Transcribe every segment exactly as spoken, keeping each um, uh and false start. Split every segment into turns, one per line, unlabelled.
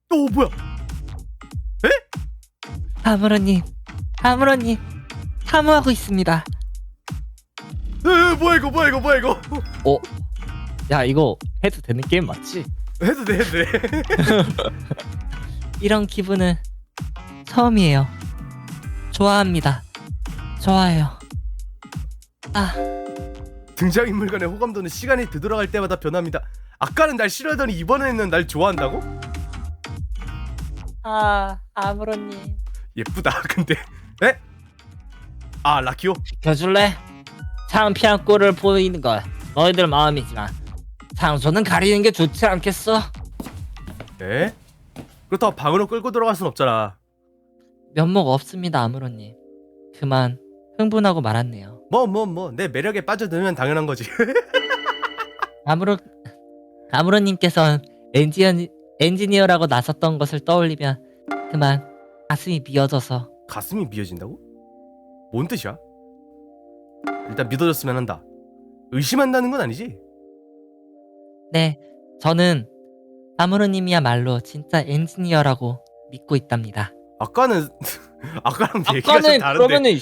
어 뭐야?
아무로님, 아무로님, 사무하고 있습니다.
에 뭐야 이거 뭐야 이거 뭐야 이거?
어? 야, 이거 해도 되는 게임 맞지?
해도 돼 해도 돼.
이런 기분은 처음이에요. 좋아합니다. 좋아요. 아,
등장인물 간의 호감도는 시간이 되돌아갈 때마다 변합니다. 아까는 날 싫어하더니 이번에는 날 좋아한다고?
아, 아무로님.
예쁘다. 근데 에? 아 라키오?
지켜줄래? 창피한 꼴을 보이는 걸 너희들 마음이지만 장소는 가리는 게 좋지 않겠어?
에? 그렇다고 방으로 끌고 들어갈 순 없잖아.
면목 없습니다, 아무로님. 그만 흥분하고 말았네요.
뭐 뭐 뭐 내 매력에 빠져들면 당연한 거지.
아무로 아무로님께서 엔지니, 엔지니어라고 나섰던 것을 떠올리면 그만 가슴이 미어져서.
가슴이 미어진다고? 뭔 뜻이야? 일단 믿어줬으면 한다. 의심한다는 건 아니지?
네, 저는 아무로님이야말로 진짜 엔지니어라고 믿고 있답니다.
아까는 아까랑 얘기가 좀 다른데.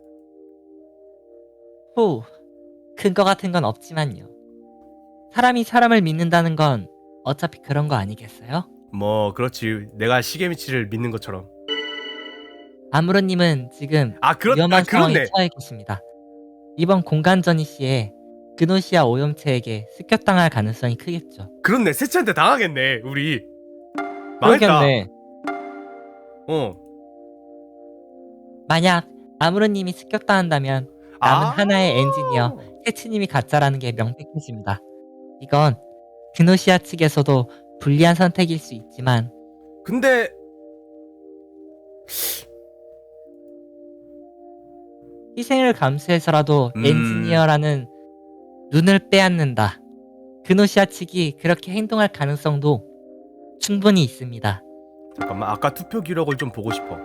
후, 근거 같은 건 없지만요. 사람이 사람을 믿는다는 건 어차피 그런 거 아니겠어요?
뭐 그렇지. 내가 시게미치를 믿는 것처럼.
아무로님은 지금
아 그렇
위험한
아
상황에
그렇네.
처해 계십니다. 이번 공간전이 시에 그노시아 오염체에게 습격당할 가능성이 크겠죠.
그렇네. 세치한테 당하겠네. 우리. 망했다.
그러겠네.
어.
만약 아무로님이 습격당한다면 남은
아.
하나의 엔지니어 세츠님이 가짜라는 게 명백해집니다. 이건 그노시아 측에서도 불리한 선택일 수 있지만
근데
희생을 감수해서라도
음.
엔지니어라는 눈을 빼앗는다. 그노시아 측이 그렇게 행동할 가능성도 충분히 있습니다.
잠깐만. 아까 투표 기록을 좀 보고 싶어.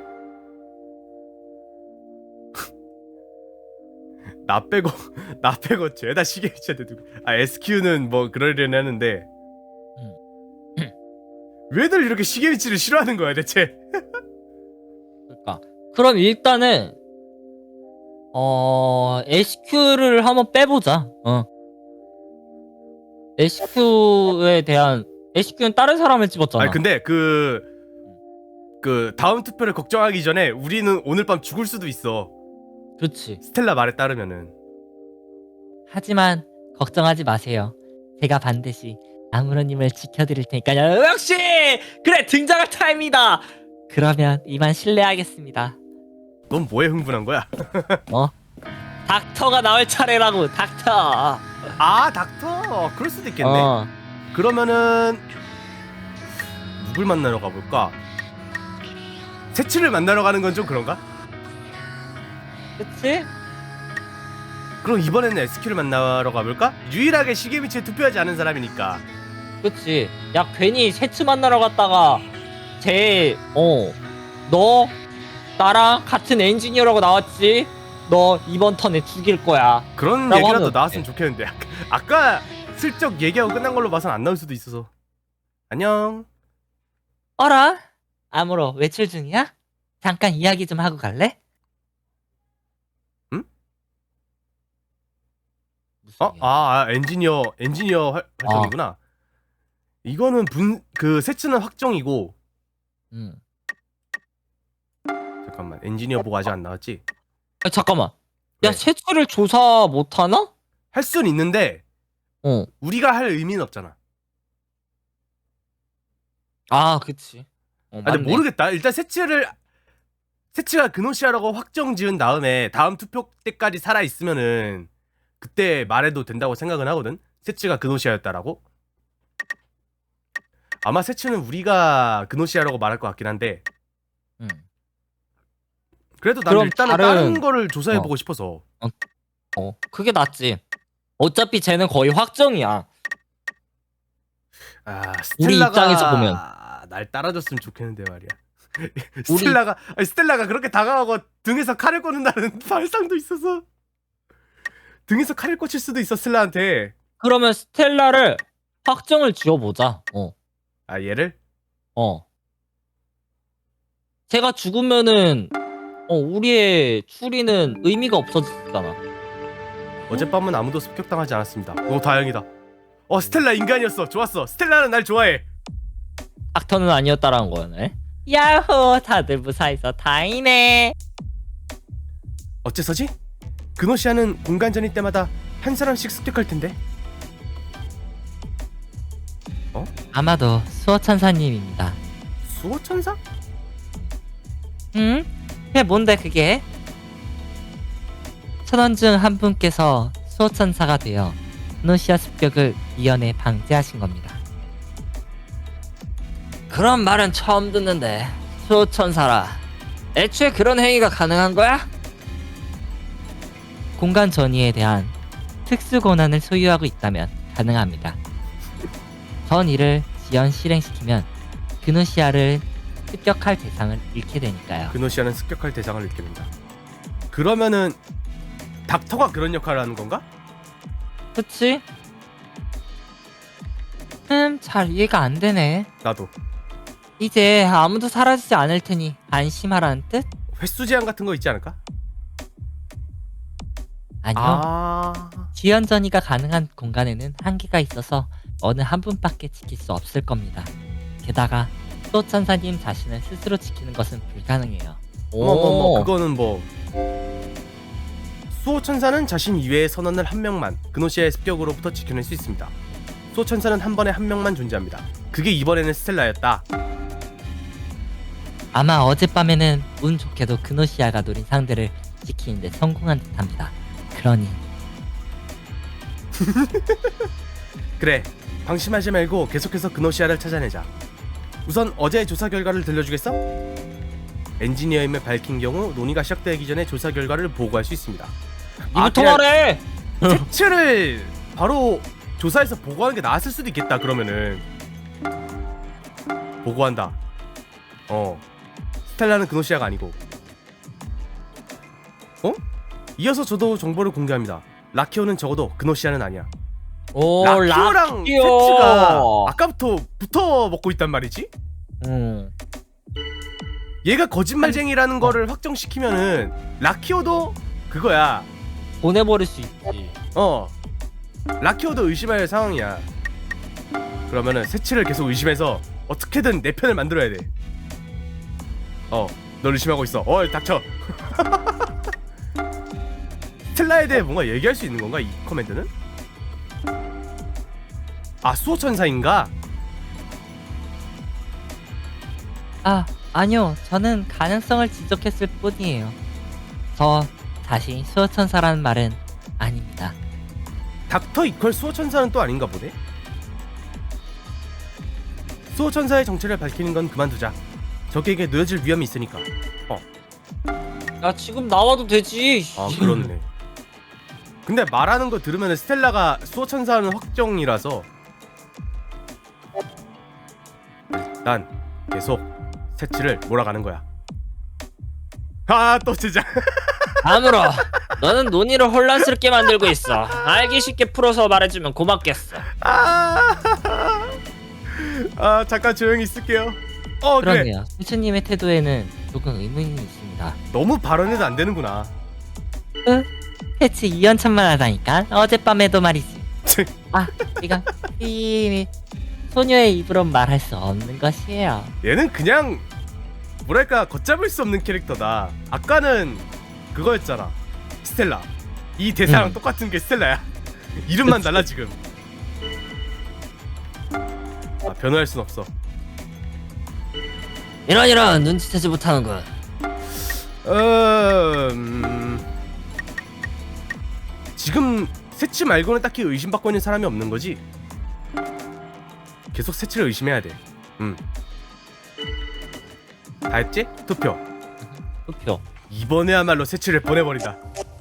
나 빼고 나 빼고 죄다 시게미치한테 두고. 아 에스큐는 뭐 그러려니 하는데
음.
왜들 이렇게 시게미치를 싫어하는 거야 대체?
그러니까 그럼 일단은 어 에스큐를 한번 빼보자. 어. 에스큐에 대한 에스큐는 다른 사람을 집었잖아.
아니 근데 그 그 다음 투표를 걱정하기 전에 우리는 오늘 밤 죽을 수도 있어.
그렇지.
스텔라 말에 따르면은.
하지만 걱정하지 마세요. 제가 반드시 아무로님을 지켜드릴 테니까요. 역시 그래, 등장할 타임이다. 그러면 이만 실례하겠습니다.
넌 뭐에 흥분한 거야?
어? 닥터가 나올 차례라고. 닥터.
아 닥터. 그럴 수도 있겠네.
어.
그러면은 누굴 만나러 가볼까? 세치를 만나러 가는 건 좀 그런가?
그치?
그럼 이번에는 에스큐를 만나러 가볼까? 유일하게 시게미치에 투표하지 않은 사람이니까.
그치. 야, 괜히 세츠 만나러 갔다가 쟤, 어, 너 나랑 같은 엔지니어라고 나왔지? 너 이번 턴에 죽일 거야.
그런
라고
얘기라도
하면
나왔으면
어떡해.
좋겠는데 아까, 아까 슬쩍 얘기하고 끝난 걸로 봐선 안 나올 수도 있어서. 안녕.
어라? 아무로 외출 중이야? 잠깐 이야기 좀 하고 갈래?
응?
무슨
어?
이야기?
아, 아 엔지니어 엔지니어 활, 활동이구나. 이거는 분 그 세츠는 확정이고.
응.
잠깐만 엔지니어 보고 아직 안 나왔지?
아, 잠깐만.
왜?
야, 세츠를 조사 못하나?
할 순 있는데
어.
우리가 할 의미는 없잖아.
아, 그치. 어,
아, 근데
맞네.
모르겠다. 일단 세츠를 세츠가 그노시아라고 확정 지은 다음에 다음 투표 때까지 살아 있으면은 그때 말해도 된다고 생각은 하거든. 세츠가 그노시아였다라고. 아마 세츠는 우리가 그노시아라고 말할 것 같긴 한데.
응.
그래도 난
그럼
일단은
다른-
다른 거를 조사해보고 싶어서.
어, 그게 낫지. 어차피 쟤는 거의 확정이야.
아,
우리
스텔라가
입장에서 보면.
날 따라줬으면 좋겠는데 말이야.
우리-
스텔라가 아니, 스텔라가 그렇게 다가가고 등에서 칼을 꽂는다는 발상도 있어서 등에서 칼을 꽂힐 수도 있어 스텔라한테.
그러면 스텔라를 확정을 지어보자. 어.
아 얘를?
어. 제가 죽으면은 어 우리의 추리는 의미가 없어졌잖아.
어젯밤은 아무도 습격당하지 않았습니다. 오 다행이다. 어 스텔라 인간이었어. 좋았어. 스텔라는 날 좋아해.
닥터는 아니었다라는 거네. 야호, 다들 무사해서 다행이네.
어째서지? 그노시아는 공간 전이 때마다 한 사람씩 습격할 텐데.
아마도 수호천사님입니다.
수호천사?
응? 그게 뭔데 그게? 천원 중 한 분께서 수호천사가 되어 그노시아 습격을 미연에 방지하신 겁니다. 그런 말은 처음 듣는데. 수호천사라, 애초에 그런 행위가 가능한 거야? 공간 전이에 대한 특수 권한을 소유하고 있다면 가능합니다. 전 이를 지연 실행시키면 그노시아를 습격할 대상을 잃게 되니까요.
그노시아는 습격할 대상을 잃게 된다. 그러면은 닥터가 그런 역할을 하는 건가?
그치? 음, 잘 이해가 안 되네.
나도.
이제 아무도 사라지지 않을 테니 안심하라는 뜻?
횟수 제한 같은 거 있지 않을까?
아니요.
아...
지연 전이가 가능한 공간에는 한계가 있어서 어느 한 분밖에 지킬 수 없을 겁니다. 게다가 수호천사님 자신을 스스로 지키는 것은 불가능해요.
어머 어머 그거는 뭐 수호천사는 자신 이외의 선원을 한 명만 그노시아의 습격으로부터 지켜낼 수 있습니다. 수호천사는 한 번에 한 명만 존재합니다. 그게 이번에는 스텔라였다.
아마 어젯밤에는 운 좋게도 그노시아가 노린 상대를 지키는데 성공한 듯합니다. 그러니
그래, 방심하지 말고 계속해서 그노시아를 찾아내자. 우선 어제의 조사 결과를 들려주겠어? 엔지니어임을 밝힌 경우 논의가 시작되기 전에 조사 결과를 보고할 수 있습니다.
이부터 말해!
색칠을 바로 조사해서 보고하는 게 나았을 수도 있겠다. 그러면은 보고한다. 어, 스텔라는 그노시아가 아니고. 어? 이어서 저도 정보를 공개합니다. 라키오는 적어도 그노시아는 아니야.
오,
라키오랑
라키오!
세츠가 아까부터 붙어 먹고 있단 말이지?
음.
얘가 거짓말쟁이라는 거를 확정시키면은 라키오도 그거야.
보내버릴 수 있지.
어, 라키오도 의심할 상황이야. 그러면은 세츠를 계속 의심해서 어떻게든 내 편을 만들어야 돼. 어, 널 의심하고 있어. 어, 닥쳐. 스텔라에 대해 뭔가 얘기할 수 있는 건가, 이 커맨드는? 아, 수호천사인가?
아, 아니요. 저는 가능성을 지적했을 뿐이에요. 저 자신이 수호천사라는 말은 아닙니다.
닥터 이퀄 수호천사는 또 아닌가 보네? 수호천사의 정체를 밝히는 건 그만두자. 적에게 놓여질 위험이 있으니까. 어.
야, 지금 나와도 되지.
아, 그렇네. 근데 말하는 거 들으면 스텔라가 수호천사는 확정이라서 일단 계속 세치를 몰아가는 거야. 아, 또 제작.
아무러, 너는 논의를 혼란스럽게 만들고 있어. 알기 쉽게 풀어서 말해주면 고맙겠어.
아, 아 잠깐 조용히 있을게요. 어, 그래.
그러네요. 세츠님의 태도에는 조금 의문이 있습니다.
너무 발언해도 안 되는구나.
으? 세츠 이연천만 하다니까. 어젯밤에도 말이지. 아, 이건 이 소녀의 입으로 말할 수 없는 것이에요.
얘는 그냥 뭐랄까 걷잡을 수 없는 캐릭터다. 아까는 그거였잖아, 스텔라. 이 대사랑
음.
똑같은 게 스텔라야. 이름만 달라 지금. 아, 변호할 순 없어.
이런 이런 눈치채지 못하는군.
어... 음... 지금 세치 말고는 딱히 의심받고 있는 사람이 없는 거지? 계속 세치를 의심해야 돼. 음. 다 했지? 투표.
투표.
이번에야말로 세치를 보내버린다.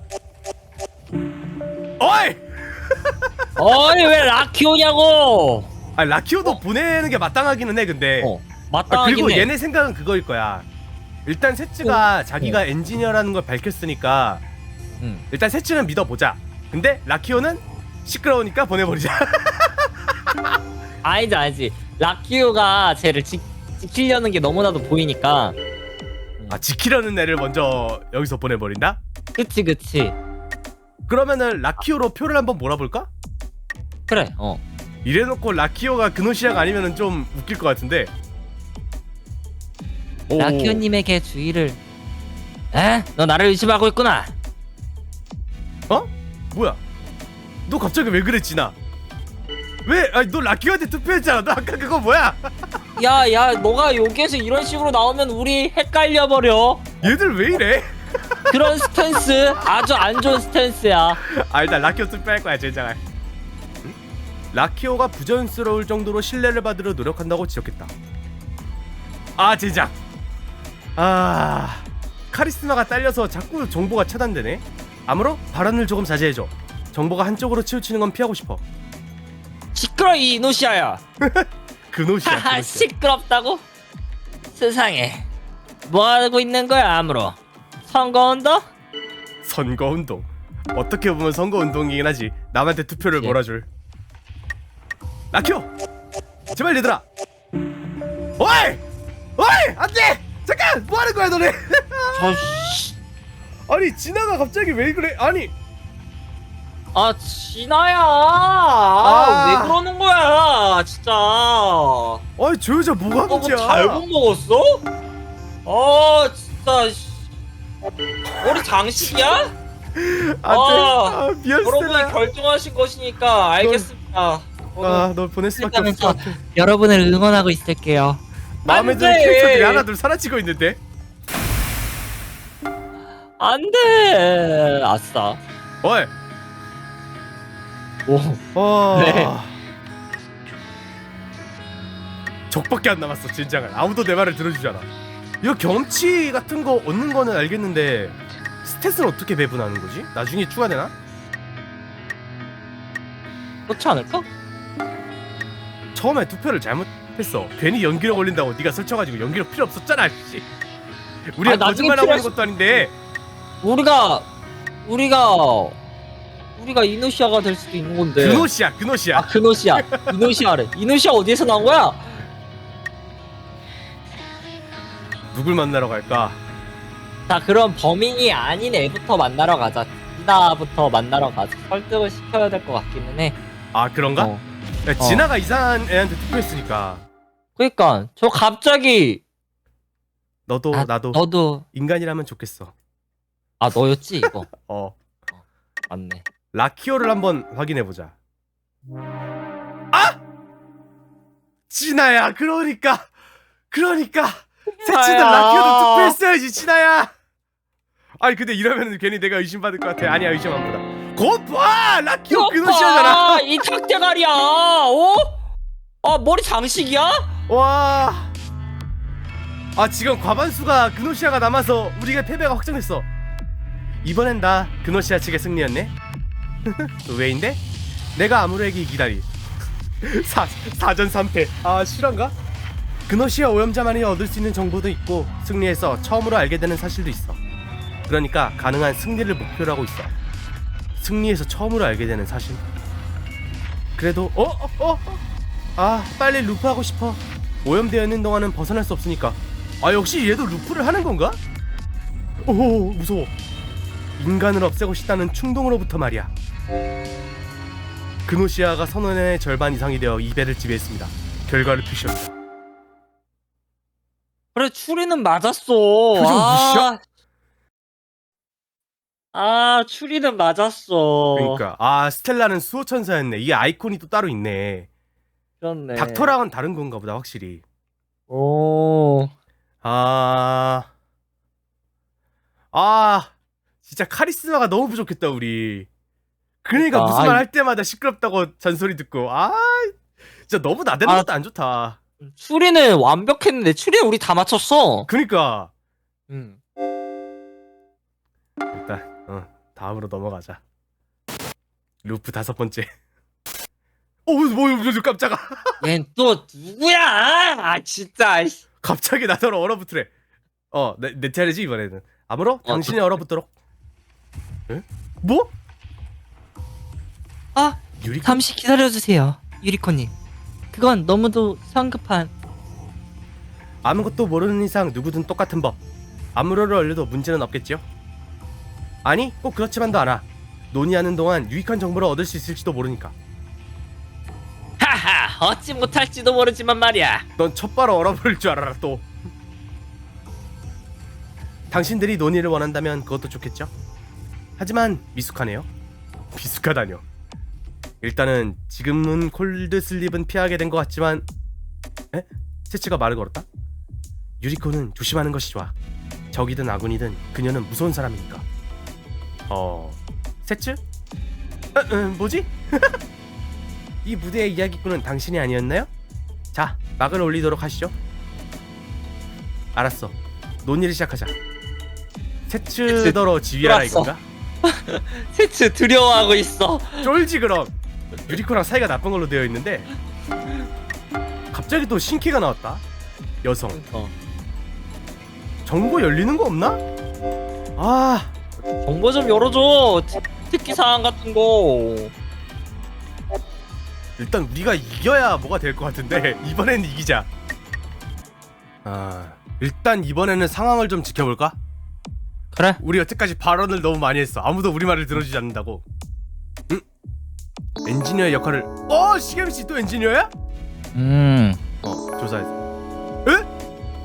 어이!
어이, 왜 라키오냐고.
아, 라키오도
어?
보내는 게 마땅하기는 해. 근데
어,
아,
마땅하긴
그리고
해.
얘네 생각은 그거일 거야. 일단 세츠가 자기가 엔지니어라는 걸 밝혔으니까
응.
일단 세츠는 믿어보자. 근데 라키오는 시끄러우니까 보내버리자.
아니지 아니지. 라키오가 쟤를 지, 지키려는 게 너무나도 보이니까
아 지키려는 애를 먼저 여기서 보내버린다?
그치 그치.
그러면은 라키오로 표를 한번 몰아볼까?
그래. 어.
이래놓고 라키오가 그노시아가 아니면은 좀 웃길 것 같은데. 오.
라키오님에게 주의를. 에? 너 나를 의심하고 있구나.
어? 뭐야? 너 갑자기 왜 그랬지 나? 왜? 아니 너 라키오한테 투표했잖아. 너 아까 그거 뭐야?
야, 야, 너가 여기에서 이런 식으로 나오면 우리 헷갈려 버려.
얘들 왜 이래?
그런 스탠스 아주 안 좋은 스탠스야.
아 일단 라키오 투표할 거야 젠장할. 응? 라키오가 부자연스러울 정도로 신뢰를 받으려 노력한다고 지적했다. 아 젠장. 아 카리스마가 딸려서 자꾸 정보가 차단되네. 아무로 발언을 조금 자제해줘. 정보가 한쪽으로 치우치는 건 피하고 싶어.
시끄러 이 이노시아야.
그노시아.
하하,
그노시아.
시끄럽다고? 세상에 뭐 하고 있는 거야 아무로? 선거운동?
선거운동. 어떻게 보면 선거운동이긴 하지. 남한테 투표를
그치.
몰아줄. 라키오 제발 얘들아. 어이 어이 안돼. 잠깐 뭐하는 거야 너네.
저씨.
아니 진아가 갑자기 왜 그래. 아니
아 진아야. 아, 왜 그러는 거야 진짜.
아니 저 여자 뭐가
너
문제야.
뭐 잘못 먹었어? 아 진짜 씨. 머리 장식이야?
안돼.
아,
아, 미안
여러분이
스텔라.
결정하신 것이니까 알겠습니다.
아널 보낼 수밖에 없어.
여러분을 응원하고 있을게요.
마음에
안
드는
돼.
캐릭터들이 하나 둘 사라지고 있는데.
안돼. 아싸.
어이
오.
어...
네.
적밖에 안 남았어 진장을. 아무도 내 말을 들어주잖아. 이거 경험치 같은 거 얻는 거는 알겠는데 스탯은 어떻게 배분하는 거지? 나중에 추가되나?
그렇지 않을까?
처음에 투표를 잘못했어. 괜히 연기력 올린다고 네가 설쳐가지고 연기력 필요 없었잖아. 씨. 우리가
아, 나중에
거짓말하고 있는
필요할
것도 아닌데.
우리가 우리가 우리가 이노시아가 될 수도 있는 건데.
그노시야 그노시야.
아 그노시아. 이노시아래. 이노시아 어디에서 나온 거야?
누굴 만나러 갈까?
자 그럼 범인이 아닌 애부터 만나러 가자. 진아부터 만나러 가자. 설득을 시켜야 될 것 같기는 해.
아 그런가?
어.
야, 진아가 이상한 애한테 투표했으니까
그러니까 저 갑자기
너도
아,
나도
너도
인간이라면 좋겠어.
아 너였지 이거.
어
맞네.
라키오를 한번 확인해보자. 아! 진아야 그러니까 그러니까 새치들
진아야.
라키오도 투표했어야지 진아야. 아니 근데 이러면 괜히 내가 의심받을 것 같아. 아니야 의심 안 받아. 거봐 라키오 그노시아잖아.
이 탁대가리야. 어? 아 머리 장식이야?
와. 아 지금 과반수가 그노시아가 남아서 우리가 패배가 확정됐어. 이번엔 나 그노시아 측의 승리였네. 왜인데? 내가 아무래에게 이기다니. 사, 사전 삼 패. 아 실화인가? 그노시아 오염자만이 얻을 수 있는 정보도 있고 승리해서 처음으로 알게 되는 사실도 있어. 그러니까 가능한 승리를 목표로 하고 있어. 승리해서 처음으로 알게 되는 사실. 그래도 어? 어? 어? 아 빨리 루프하고 싶어. 오염되어 있는 동안은 벗어날 수 없으니까. 아 역시 얘도 루프를 하는 건가? 오 무서워. 인간을 없애고 싶다는 충동으로부터 말이야. 그노시아가 선원의 절반 이상이 되어 이 배를 지배했습니다. 결과를 표시합니다.
그래 추리는 맞았어.
표정 무시야?
아 추리는 맞았어.
그러니까 아 스텔라는 수호천사였네. 이게 아이콘이 또 따로 있네.
그렇네.
닥터랑은 다른 건가 보다 확실히.
오.
아... 아... 진짜 카리스마가 너무 부족했다 우리. 그러니까
아,
무슨 말
아이.
할 때마다 시끄럽다고 잔소리 듣고. 아 진짜 너무 나대는
아.
것도 안 좋다.
추리는 완벽했는데 추리는 우리 다 맞췄어.
그러니까
응.
일단 어 다음으로 넘어가자. 루프 다섯 번째. 어 뭐, 뭐, 뭐 깜짝아.
얜 또 누구야? 아 진짜.
갑자기 나더러 얼어붙으래. 어, 내, 내 차례지 이번에는. 아무로
어,
당신이 얼어붙도록. 에? 뭐?
아
유리?
잠시 기다려주세요 유리코님. 그건 너무도 성급한.
아무것도 모르는 이상 누구든 똑같은 법. 암으로를 얼려도 문제는 없겠지요? 아니 꼭 그렇지만도 않아. 논의하는 동안 유익한 정보를 얻을 수 있을지도 모르니까.
하하, 얻지 못할지도 모르지만 말이야.
넌 첫바로 얼어버릴 줄 알아라 또. 당신들이 논의를 원한다면 그것도 좋겠죠? 하지만 미숙하네요. 미숙하다뇨. 일단은 지금은 콜드슬립은 피하게 된 것 같지만. 에? 세츠가 말을 걸었다? 유리코는 조심하는 것이 좋아. 적이든 아군이든 그녀는 무서운 사람이니까. 어... 세츠? 어, 어, 뭐지? 이 무대의 이야기꾼은 당신이 아니었나요? 자, 막을 올리도록 하시죠. 알았어. 논의를 시작하자. 세츠더러 지휘하라
들어왔어.
이건가?
세츠 두려워하고 있어.
쫄지 그럼. 유리코랑 사이가 나쁜 걸로 되어 있는데 갑자기 또 신캐가 나왔다. 여성.
어.
정보 열리는 거 없나? 아,
정보 좀 열어줘. 특- 특기 사항 같은 거.
일단 우리가 이겨야 뭐가 될 것 같은데 이번에는 이기자. 아, 일단 이번에는 상황을 좀 지켜볼까?
그래.
우리 여태까지 발언을 너무 많이 했어. 아무도 우리 말을 들어주지 않는다고. 응? 엔지니어의 역할을. 어, 시게미씨 또 엔지니어야?
음.
어, 조사했어. 에?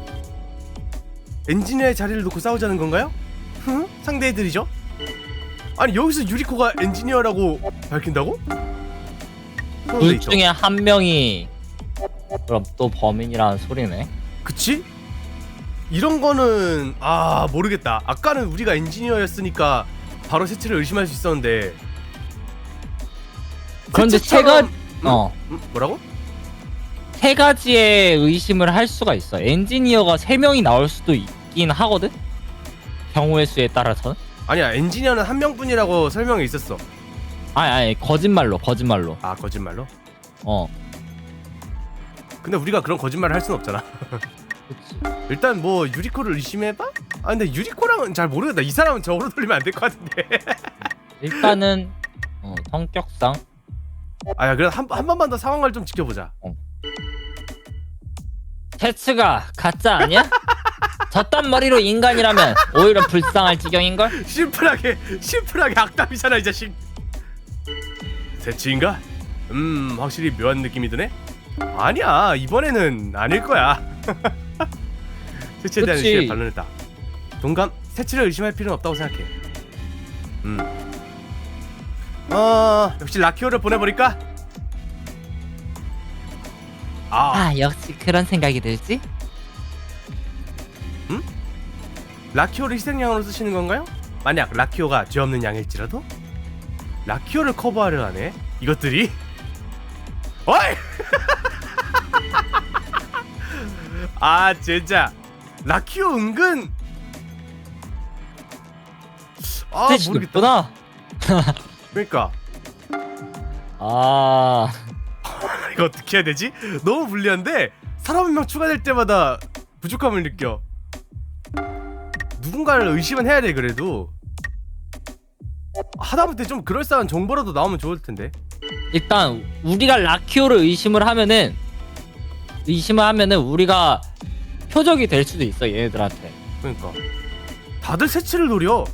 엔지니어의 자리를 놓고 싸우자는 건가요? 흥? 상대해드리죠? 아니 여기서 유리코가 엔지니어라고 밝힌다고?
둘 중에 한 명이 그럼 또 범인이라는 소리네.
그치? 이런 거는 아 모르겠다. 아까는 우리가 엔지니어였으니까 바로 세츠를 의심할 수 있었는데.
그런데
세츠처럼-
세가 어.
음, 뭐라고?
세 가지의 의심을 할 수가 있어. 엔지니어가 세 명이 나올 수도 있긴 하거든. 경우의 수에 따라서는.
아니야, 엔지니어는 한 명뿐이라고 설명이 있었어.
아니 아니 거짓말로 거짓말로.
아, 거짓말로?
어.
근데 우리가 그런 거짓말을 할 순 없잖아.
그치.
일단 뭐 유리코를 의심해봐? 아 근데 유리코랑은 잘 모르겠다. 이 사람은 저으로 돌리면 안 될 것 같은데.
일단은 어, 성격상
아야, 그래 한, 한 번만 더 상황을 좀 지켜보자.
세츠가 가짜 아니야? 저딴 머리로 인간이라면 오히려 불쌍할 지경인걸?
심플하게 심플하게 악담이잖아 이 자식. 세치인가? 음 확실히 묘한 느낌이 드네. 아니야, 이번에는 아닐 거야. 세치에 대한
그치.
의심에 반론했다. 동감, 세치를 의심할 필요는 없다고 생각해. 음. 어 역시 라키오를 보내버릴까? 아,
아, 역시 그런 생각이 들지?
라키오를 희생양으로 쓰시는 건가요? 만약 라키오가 죄 없는 양일지라도? 라키오를 커버하려 하네 이것들이? 어이! 아 진짜 라키오 은근 아
세츠
모르겠다.
높구나.
그러니까
아
이거 어떻게 해야 되지? 너무 불리한데 사람 한 명 추가될 때마다 부족함을 느껴. 누군가를 의심은 해야 돼. 그래도 하다못해 좀 그럴싸한 정보라도 나오면 좋을 텐데.
일단 우리가 라키오를 의심을 하면은 의심을 하면은 우리가 표적이 될 수도 있어 얘네들한테.
그러니까 다들 세치를 노려.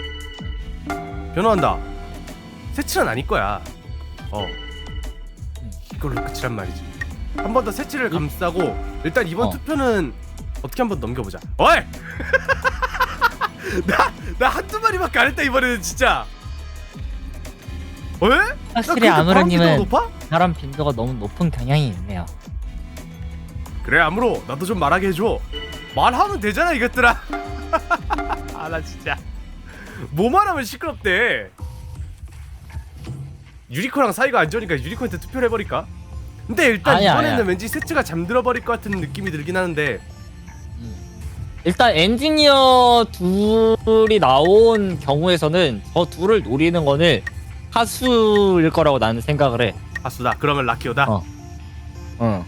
변호한다. 세치는 아닐 거야. 어 이걸로 끝이란 말이지. 한 번 더 세치를 감싸고 일단 이번
어.
투표는 어떻게 한번 넘겨보자. 어이! 나, 나 한두 마리밖에 안 했다 이번에는 진짜. 왜?
확실히 아무로님은
높아?
사람 빈도가 너무 높은 경향이 있네요.
그래 아무로 나도 좀 말하게 해줘. 말하면 되잖아 이것들아. 아 나 진짜 뭐 말하면 시끄럽대. 유리코랑 사이가 안 좋으니까 유리코한테 투표를 해버릴까? 근데 일단
아니야,
이번에는
아니야.
왠지 세츠가 잠들어 버릴 것 같은 느낌이 들긴 하는데.
일단 엔지니어 둘이 나온 경우에서는 저 둘을 노리는 거는 하수일 거라고 나는 생각을 해.
아수다. 그러면 라키오다.
어. 응.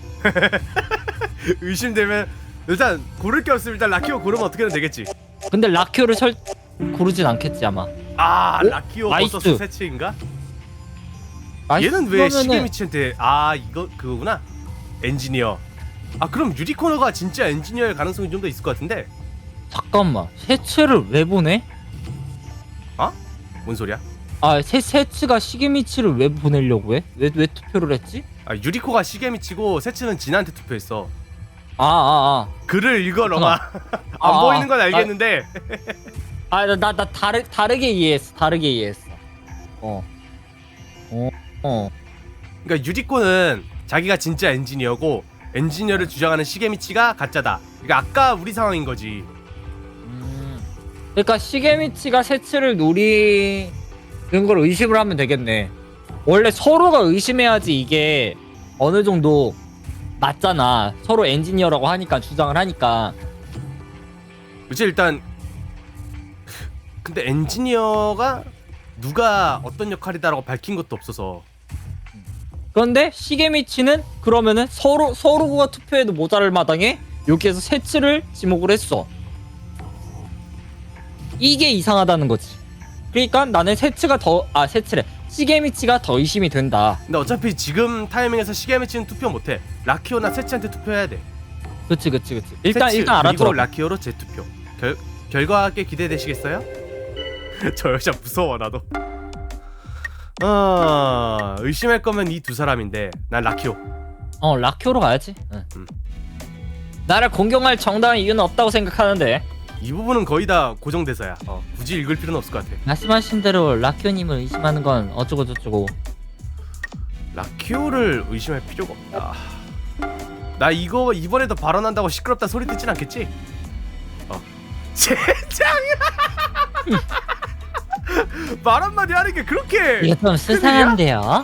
의심되면 일단 고를 게 없으면 일단 라키오 고르면 어떻게든 되겠지.
근데 라키오를 설 고르진 않겠지 아마.
아
오?
라키오
나이스.
버서스 세츠인가? 얘는 왜
그러면은-
시게미치한테 아 이거 그거구나. 엔지니어. 아 그럼 유리코너가 진짜 엔지니어일 가능성이 좀 더 있을 것 같은데.
잠깐만, 세츠를 왜 보내?
뭔 소리야?
아, 세, 세츠가 시게미치를 왜 보내려고 해? 왜, 왜 투표를 했지?
아, 유리코가 시게미치고 세츠는 진한테 투표했어.
아, 아,
글을 읽어 너가. 안
아, 아,
보이는 건
아.
알겠는데.
아. 아, 나, 나, 나 다르, 다르게 이해했어. 다르게 이해했어. 어. 어, 어.
그러니까 유리코는 자기가 진짜 엔지니어고 엔지니어를 주장하는 시게미치가 가짜다. 그러니까 아까 우리 상황인 거지.
음. 그러니까 시게미치가 세츠를 노리는 걸 의심을 하면 되겠네. 원래 서로가 의심해야지 이게 어느 정도 맞잖아. 서로 엔지니어라고 하니까, 주장을 하니까.
그치. 일단 근데 엔지니어가 누가 어떤 역할이다라고 밝힌 것도 없어서.
그런데 시게미치는 그러면은 서로 서로가 투표해도 모자랄 마당에 여기에서 세츠를 지목을 했어. 이게 이상하다는 거지. 그러니까 나는 세츠가 더, 아 세츠래, 시게미치가 더 의심이 된다.
근데 어차피 지금 타이밍에서 시게미치는 투표 못해. 라키오나 세츠한테 투표해야 돼.
그치 그치 그치. 일단
세츠,
일단
그리고
알아들어.
라키오로 재투표. 결 결과가 기대되시겠어요? 저 여자 무서워 나도. 어 의심할 거면 이 두 사람인데 난 라키오.
어, 라키오로 가야지. 응.
음.
나를 공경할 정당한 이유는 없다고 생각하는데.
이 부분은 거의 다 고정대사야. 어, 굳이 읽을 필요는 없을 것 같아.
말씀하신 대로 라키오님을 의심하는 건 어쩌고 저쩌고.
라키오를 의심할 필요가 없다. 나 이거 이번에도 발언한다고 시끄럽다 소리 듣진 않겠지? 어. 젠장! 말 한마디 하는 게 그렇게.
이거 좀 수상한데요?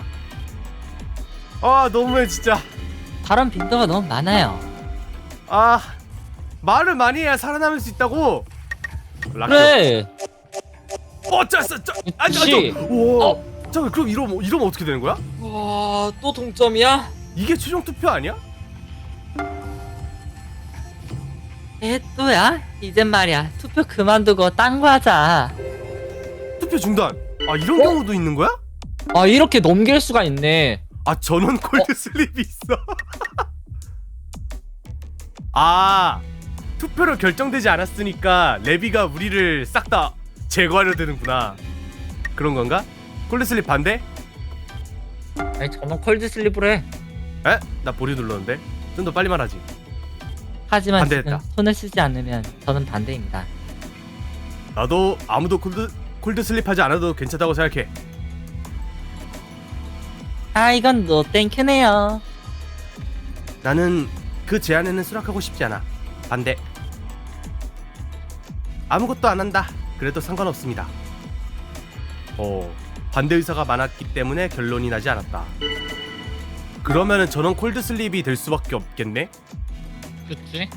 아 너무해 진짜.
발언 빈도가 너무 많아요.
아 말을 많이 해야 살아남을 수 있다고. 라키오.
그래.
어 짰어 짜. 아니
그치.
아니. 우와. 잠깐 그럼 이러면 이러면 어떻게 되는 거야?
와, 또 동점이야?
이게 최종 투표 아니야?
에 또야? 이젠 말이야 투표 그만두고 딴 거 하자.
투표 중단. 아 이런
어?
경우도 있는 거야?
아, 이렇게 넘길 수가 있네.
아 전원 콜드 슬립이 있어. 아 투표로 결정되지 않았으니까 레비가 우리를 싹 다 제거하려 드는구나. 그런 건가? 콜드 슬립 반대?
아니, 저는 콜드 슬립을 해.
에? 나 보리 눌렀는데. 좀 더 빨리 말하지.
하지만
반대했다.
지금 손을 쓰지 않으면 저는 반대입니다.
나도 아무도 콜드 콜드 슬립하지 않아도 괜찮다고 생각해.
아 이건 노 땡큐네요.
나는 그 제안에는 수락하고 싶지 않아. 반대. 아무것도 안 한다. 그래도 상관없습니다. 어, 반대 의사가 많았기 때문에 결론이 나지 않았다. 그러면은 전원 콜드 슬립이 될 수밖에 없겠네.
그치?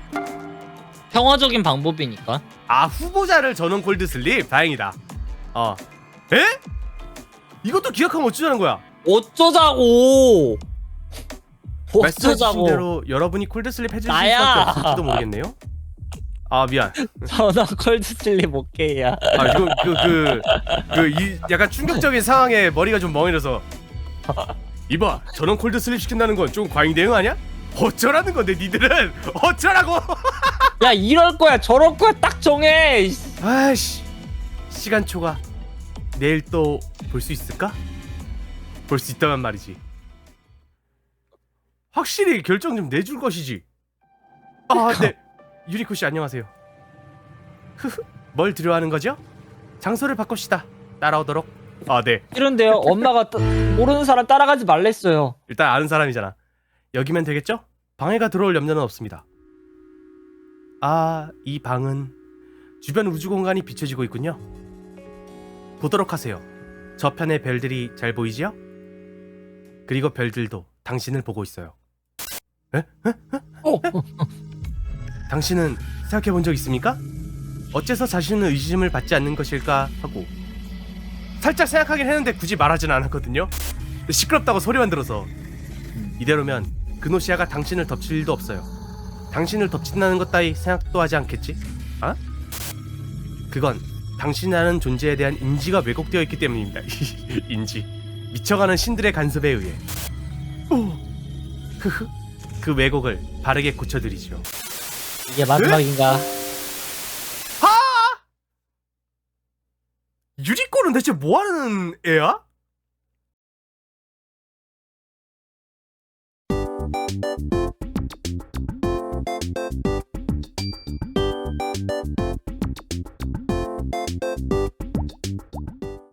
평화적인 방법이니까.
아 후보자를 전원 콜드 슬립. 다행이다. 어. 에? 이것도 기억하면 어쩌자는 거야?
어쩌자고.
말씀해주신
어쩌자고.
대로 여러분이 콜드 슬립 해주실
나야.
수밖에 없을지도 모르겠네요. 아 미안.
저는 콜드 슬립 오케이야.
아 이거 그그 그 이 약간 충격적인 상황에 머리가 좀 멍해져서. 이봐, 전원 콜드 슬립 시킨다는 건 좀 과잉 대응 아니야? 어쩌라는 건데 니들은 어쩌라고?
야, 이럴 거야 저럴 거야 딱 정해.
아이씨, 시간 초과. 내일 또 볼 수 있을까? 볼 수 있다면 말이지. 확실히 결정 좀 내줄 것이지. 아, 네. 유리코 씨 안녕하세요. 흐흐. 뭘 두려워하는 거죠? 장소를 바꿉시다. 따라오도록. 아, 네.
이런데요. 엄마가 따, 모르는 사람 따라가지 말랬어요.
일단 아는 사람이잖아. 여기면 되겠죠? 방해가 들어올 염려는 없습니다. 아, 이 방은 주변 우주 공간이 비춰지고 있군요. 보도록 하세요. 저편의 별들이 잘 보이지요? 그리고 별들도 당신을 보고 있어요. 에? 에? 에?
어.
당신은 생각해 본 적 있습니까? 어째서 자신은 의심을 받지 않는 것일까 하고 살짝 생각하긴 했는데 굳이 말하진 않았거든요. 시끄럽다고 소리만 들어서. 이대로면 그노시아가 당신을 덮칠 일도 없어요. 당신을 덮친다는 것 따위 생각도 하지 않겠지? 아? 그건 당신이라는 존재에 대한 인지가 왜곡되어 있기 때문입니다. 인지. 미쳐가는 신들의 간섭에 의해. 오. 흐흐. 그 왜곡을 바르게 고쳐드리죠.
이게 마지막인가?
쟤는 대체 뭐하는 애야?